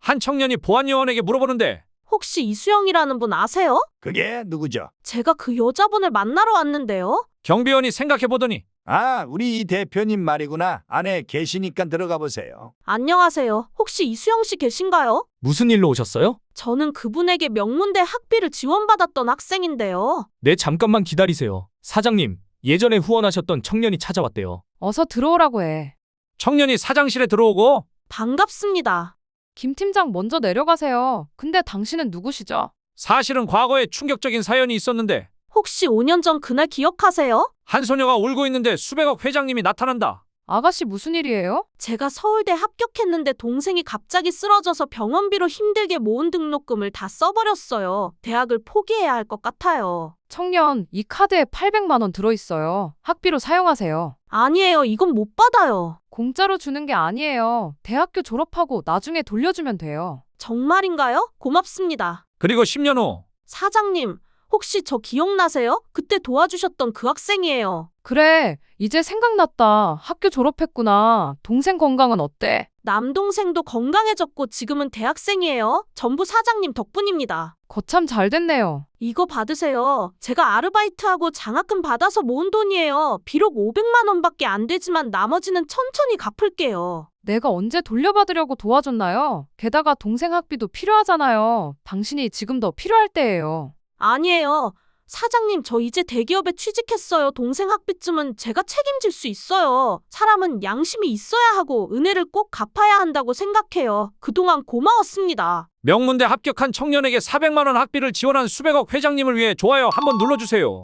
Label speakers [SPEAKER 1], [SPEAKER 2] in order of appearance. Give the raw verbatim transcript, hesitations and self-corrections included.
[SPEAKER 1] 한 청년이 보안요원에게 물어보는데
[SPEAKER 2] 혹시 이수영이라는 분 아세요?
[SPEAKER 3] 그게 누구죠?
[SPEAKER 2] 제가 그 여자분을 만나러 왔는데요.
[SPEAKER 1] 경비원이 생각해보더니
[SPEAKER 3] 아, 우리 이 대표님 말이구나. 안에 계시니까 들어가 보세요.
[SPEAKER 2] 안녕하세요. 혹시 이수영 씨 계신가요?
[SPEAKER 4] 무슨 일로 오셨어요?
[SPEAKER 2] 저는 그분에게 명문대 학비를 지원받았던 학생인데요.
[SPEAKER 4] 네, 잠깐만 기다리세요. 사장님, 예전에 후원하셨던 청년이 찾아왔대요.
[SPEAKER 5] 어서 들어오라고 해.
[SPEAKER 1] 청년이 사장실에 들어오고
[SPEAKER 2] 반갑습니다.
[SPEAKER 5] 김 팀장 먼저 내려가세요. 근데 당신은 누구시죠?
[SPEAKER 1] 사실은 과거에 충격적인 사연이 있었는데
[SPEAKER 2] 혹시 오 년 전 그날 기억하세요?
[SPEAKER 1] 한 소녀가 울고 있는데 수백억 회장님이 나타난다.
[SPEAKER 5] 아가씨 무슨 일이에요?
[SPEAKER 2] 제가 서울대 합격했는데 동생이 갑자기 쓰러져서 병원비로 힘들게 모은 등록금을 다 써버렸어요. 대학을 포기해야 할 것 같아요.
[SPEAKER 5] 청년, 이 카드에 팔백만 원 들어있어요. 학비로 사용하세요.
[SPEAKER 2] 아니에요. 이건 못 받아요.
[SPEAKER 5] 공짜로 주는 게 아니에요. 대학교 졸업하고 나중에 돌려주면 돼요.
[SPEAKER 2] 정말인가요? 고맙습니다.
[SPEAKER 1] 그리고 십 년 후
[SPEAKER 2] 사장님, 혹시 저 기억나세요? 그때 도와주셨던 그 학생이에요.
[SPEAKER 5] 그래, 이제 생각났다. 학교 졸업했구나. 동생 건강은 어때?
[SPEAKER 2] 남동생도 건강해졌고 지금은 대학생이에요. 전부 사장님 덕분입니다.
[SPEAKER 5] 거참 잘 됐네요.
[SPEAKER 2] 이거 받으세요. 제가 아르바이트하고 장학금 받아서 모은 돈이에요. 비록 오백만 원밖에 안 되지만 나머지는 천천히 갚을게요.
[SPEAKER 5] 내가 언제 돌려받으려고 도와줬나요? 게다가 동생 학비도 필요하잖아요. 당신이 지금 더 필요할 때예요.
[SPEAKER 2] 아니에요. 사장님, 저 이제 대기업에 취직했어요. 동생 학비쯤은 제가 책임질 수 있어요. 사람은 양심이 있어야 하고 은혜를 꼭 갚아야 한다고 생각해요. 그동안 고마웠습니다.
[SPEAKER 1] 명문대 합격한 청년에게 사백만 원 학비를 지원한 수백억 회장님을 위해 좋아요 한번 눌러주세요.